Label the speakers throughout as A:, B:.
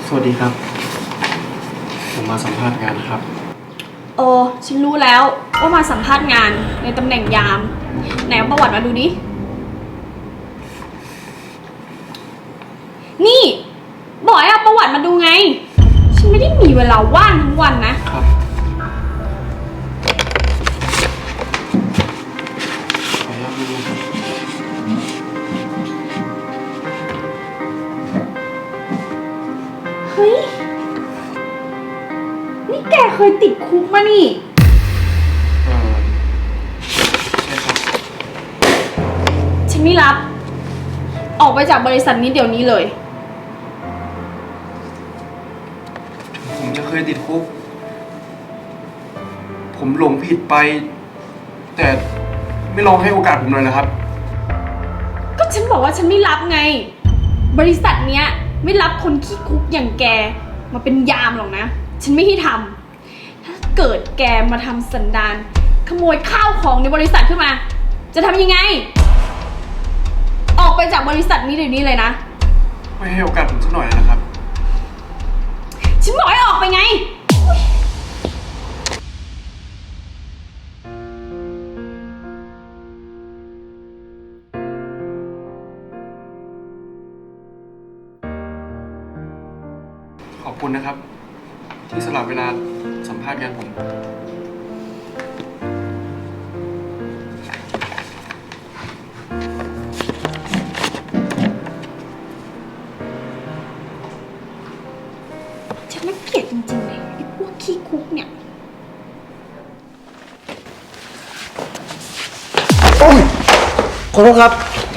A: สวัสดีครับผมมาสัมภาษณ์งานนะครับ
B: โอ้ฉันรู้แล้วว่ามาสัมภาษณ์งานในตำแหน่งยามไหนเอาประวัติมาดูดินี่บอกให้เอาประวัติมาดูไงฉันไม่ได้มีเวลาว่างทั้งวันนะครับ
A: ขออนุญาตดูนะครับ
B: เฮ้ยนี่แกเคยติดคุกมานี่
A: ใช่ครับ
B: ฉันไม่รับออกไปจากบริษัทนี้เดี๋ยวนี้เลย
A: ผมจะเคยติดคุกผมหลงผิดไปแต่ไม่ลองให้โอกาสผมหน่อยนะครับ
B: ก็ฉันบอกว่าฉันไม่รับไงบริษัทเนี้ยไม่รับคนขี้คุกอย่างแกมาเป็นยามหรอกนะฉันไม่ให้ทำถ้าเกิดแกมาทำสันดานขโมยข้าวของในบริษัทขึ้นมาจะทำยังไงออกไปจากบริษัทนี้เดี๋ยวนี้เลยนะ
A: ไม่ให้โอกาสผมสักหน่อยนะครับ
B: ฉันบอกให้ออกไปไง
A: ขอบคุณนะครับที่สละเวลาสัมภาษณ์งานผม
B: ฉันน่าเกลียดจริงๆเลยไอ้พวกขี้คุกเนี่ย
A: โอ้ยขอโทษครับ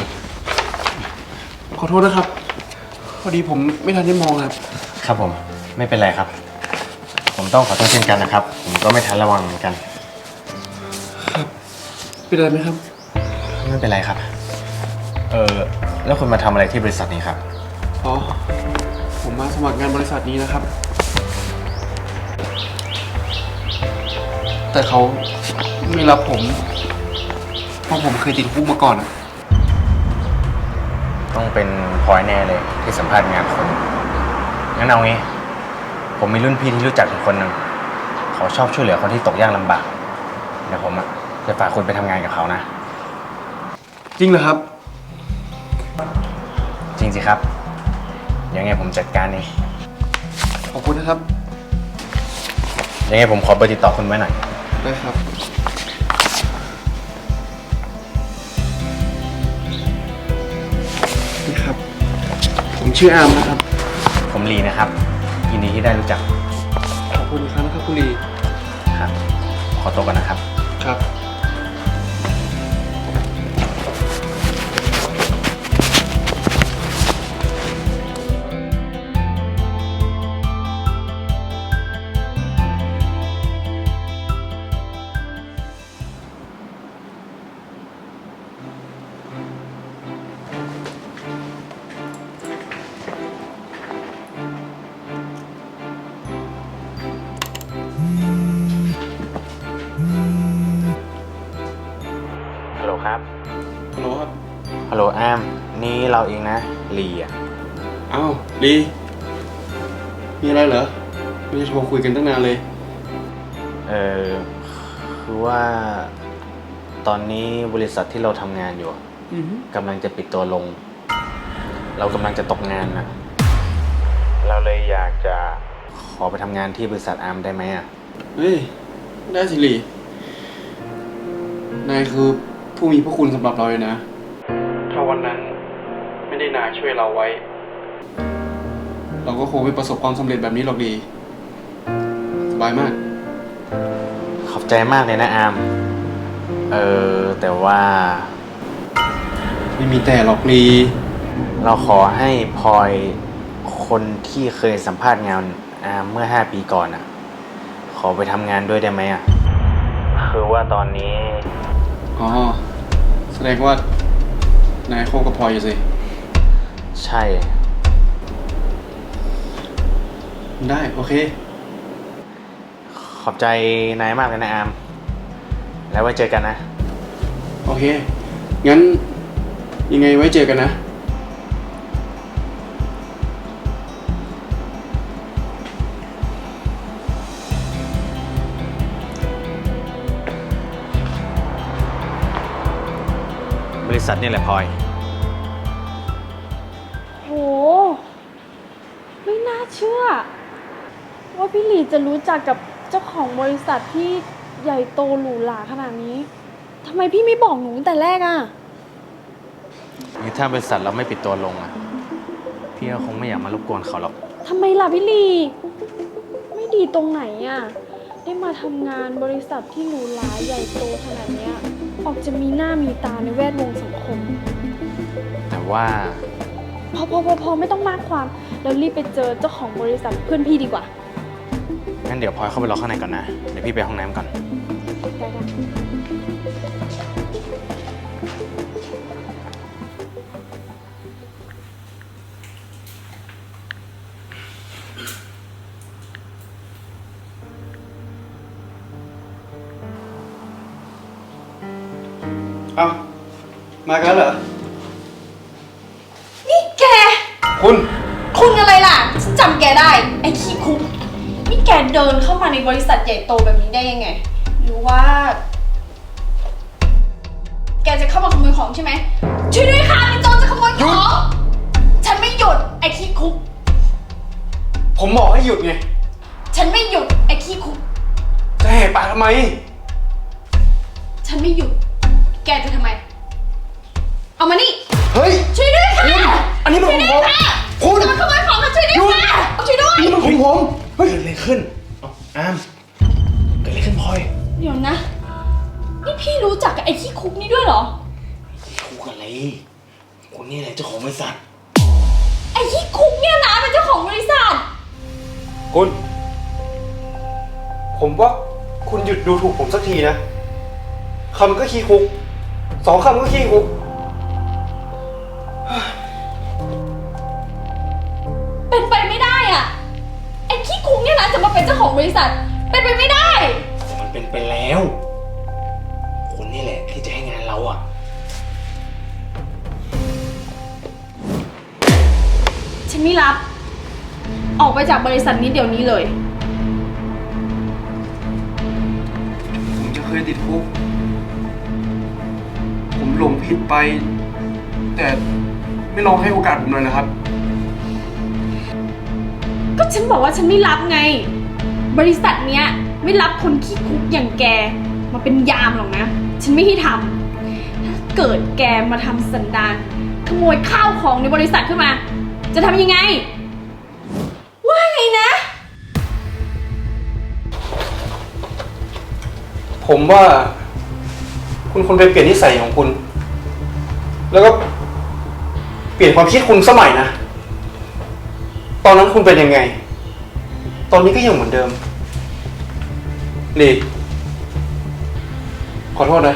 A: ขอโทษนะครับพอดีผมไม่ทันได้มองครับ
C: ครับผมไม่เป็นไรครับผมต้องขอโทษเช่นกันนะครับผมก็ไม่ทันระวังเหมือนกัน
A: ครับเป็นอะไรไหมครับ
C: ไม่เป็นไรครับแล้วคุณมาทำอะไรที่บริษัทนี้ครับ
A: อ๋อผมมาสมัครงานบริษัทนี้นะครับแต่เขาไม่รับผมเพราะผมเคยติดคุกมาก่อนอะ
C: ต้องเป็นพลอยแน่เลยที่สัมภาษณ์งานคนงั้นเอางี้ผมมีรุ่นพี่ที่รู้จักอีกคนหนึ่งเขาชอบช่วยเหลือคนที่ตกยากลำบากเดี๋ยวผมจะฝากคุณไปทำงานกับเขานะ
A: จริงเหรอครับ
C: จริงสิครับยังไงผมจัดการเอง
A: ขอบคุณนะครับ
C: ยังไงผมขอเบอร์ติดต่อคุณไว้หน่อย
A: ได้ครับนี่ครับผมชื่ออาร์มนะครับ
C: ผมลีนะครับยินดีที่ได้รู้จัก
A: ขอบคุณครับนะครับคุณลี
C: ครับขอตัวก่อนนะครับ
A: ครับ
C: ฮัลโหลครับ
A: ฮัลโหลครับ
C: ฮัลโหลแอมนี่เราเองนะลีอ่ะ
A: อ้าวลีมีอะไรเหรอไม่ได้โทรคุยกันตั้งนานเลย
C: คือว่าตอนนี้บริษัทที่เราทำงานอยู่กำลังจะปิดตัวลงเรากำลังจะตกงานนะเราเลยอยากจะขอไปทำงานที่บริษัทอาร์มได้ไหมอ่ะ
A: เฮ้ยได้สิลีนายคือผู้มีพระคุณสำหรับเราเลยนะถ้าวันนั้นไม่ได้นายช่วยเราไว้เราก็คงไม่ประสบความสำเร็จแบบนี้หรอกดีสบายมาก
C: ขอบใจมากเลยนะอาร์มแต่ว่า
A: ไม่มีแต่หรอกลี
C: เราขอให้พลอยคนที่เคยสัมภาษณ์งานอาร์มเมื่อ5 ปีก่อนอ่ะขอไปทำงานด้วยได้ไหมอ่ะคือว่าตอนนี้
A: อ๋อแสดงว่านายโคกับพลอยอยู่สิ
C: ใช่
A: ได้โอเค
C: ขอบใจนายมากเลยนะอาร์มแล้วไว้เจอกันนะ
A: โอเคงั้นยังไงไว้เจอกันนะ
C: ษัทนี่แหละพลอย
B: โห ไม่น่าเชื่อ ว่าพี่หลีจะรู้จักกับเจ้าของบริษัทที่ใหญ่โตหรูหราขนาดนี้ทำไมพี่ไม่บอกหนูตั้งแต่แรกอ่ะ
C: ถ้าบริษัทเราไม่ปิดตัวลงอ่ะ พี่ก็คงไม่อยากมารบกวนเขาหรอก
B: ทำไมล่ะพี่หลีไม่ดีตรงไหนอ่ะ ได้มาทำงานบริษัทที่หรูหราใหญ่โตขนาดเนี้ย ออกจะมีหน้ามีตาในแวดวงสังคม
C: แต่ว่า
B: พอไม่ต้องมากความ แล้วรีบไปเจอเจ้าของบริษัทเพื่อนพี่ดีกว่า
C: งั้นเดี๋ยวพลอยเข้าไปรอข้างในก่อนนะ เดี๋ยวพี่ไปห้องน้ำก่อน
B: ได้
A: เอ้ามากันเหรอ
B: นี่แก
A: คุณ
B: คุณอะไรล่ะ ฉันจำแกได้ ไอ้ขี้คุก นี่แกเดินเข้ามาในบริษัทใหญ่โตแบบนี้ได้ยังไง หรือว่า แกจะเข้ามาขโมยของใช่ไหม ช่วยด้วยค่ะมีโจรจะขโมยของ ฉันไม่หยุด ไอ้ขี้คุก
A: ผมบอกให้หยุดไง
B: ฉันไม่หยุด ไอ้ขี้คุก
A: จะแหกปากทำไม
B: ฉันไม่หยุด แกจะทำไม เอามานี่
A: เฮ้ย
B: ช่วยด้วยค่ะ
A: อันนี้มันของผม
B: ช่วยด้วยค่ะ
A: คุณ
B: จะมาขโมยของค่ะช่วยด้วยค่ะช่วยด้วย
A: นี่มันของผมเฮ้ย
C: เกิดอะไรขึ้นอามเกิดอะไรขึ้นพลอย
B: เดี๋ยวนะ นี่พี่รู้จักกับไอ้ขี้คุกนี่ด้วยเหรอ
C: คุกอะไรคนนี้แหละเจ้าของบริษัท
B: ไอ้ขี้คุกเนี่ยนะเป็นเจ้าของบริษัท
A: คุณ ผมว่าคุณหยุดดูถูกผมสักทีนะ คำก็ขี้คุก สองคำก็ขี้คุก
B: เป็นไปไม่ได้อ่ะ ไอ้ขี้คุกเนี่ยนะจะมาเป็นเจ้าของบริษัท เป็นไปไม่ได้
C: แต่มันเป็นไปแล้ว คนนี่แหละที่จะให้งานเราอ่ะ
B: ฉันไม่รับ ออกไปจากบริษัทนี้เดี๋ยวนี้เลย
A: ผมจะเคยติดคุก ผมหลงผิดไป แต่ไม่ลองให้โอกาสผมหน่อยนะครับ
B: ก็ฉันบอกว่าฉันไม่รับไง บริษัทเนี้ยไม่รับคนขี้คุกอย่างแกมาเป็นยามหรอกนะ ฉันไม่ให้ทำถ้าเกิดแกมาทำสันดานขโมยข้าวของในบริษัทขึ้นมา จะทำยังไง ว่าไงนะ
A: ผมว่าคุณควรไปเปลี่ยนนิสัยของคุณ แล้วก็เปลี่ยนความคิดคุณสมัยนะ ตอนนั้นคุณเป็นยังไง ตอนนี้ก็ยังเหมือนเดิมลีขอโทษนะ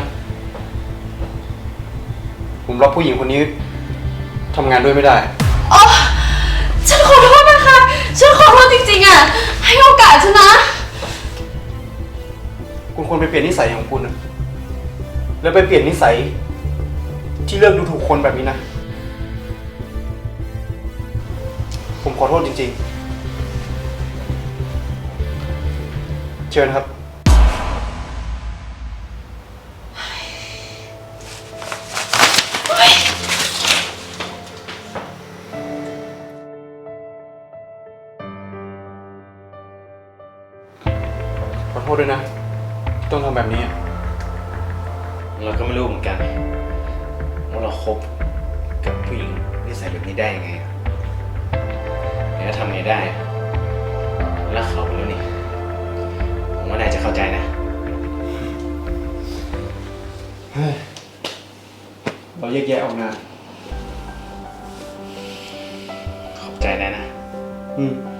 A: ผมรับผู้หญิงคนนี้ทำงานด้วยไม่ได้
B: อ๋อ ฉันขอโทษนะคะ ฉันขอโทษจริงๆอ่ะ ให้โอกาสฉันนะ
A: คุณควรไปเปลี่ยนนิสัยของคุณนะแล้วไปเปลี่ยนนิสัย ที่เลือกดูถูกคนแบบนี้นะ ผมขอโทษจริงๆ เชิญครับ ขอโทษด้วยนะที่ต้องทำแบบนี้
C: เราก็ไม่รู้เหมือนกันว่าเราคบกับผู้หญิงนิสัยแบบนี้ได้ยังไงอะแล้วทำไงได้อะรักเขาไปแล้วนี่ผมว่านายจะเข้าใจนะ
A: เราแยกแยะออกนะ
C: ขอบใจนายนะ
A: อืม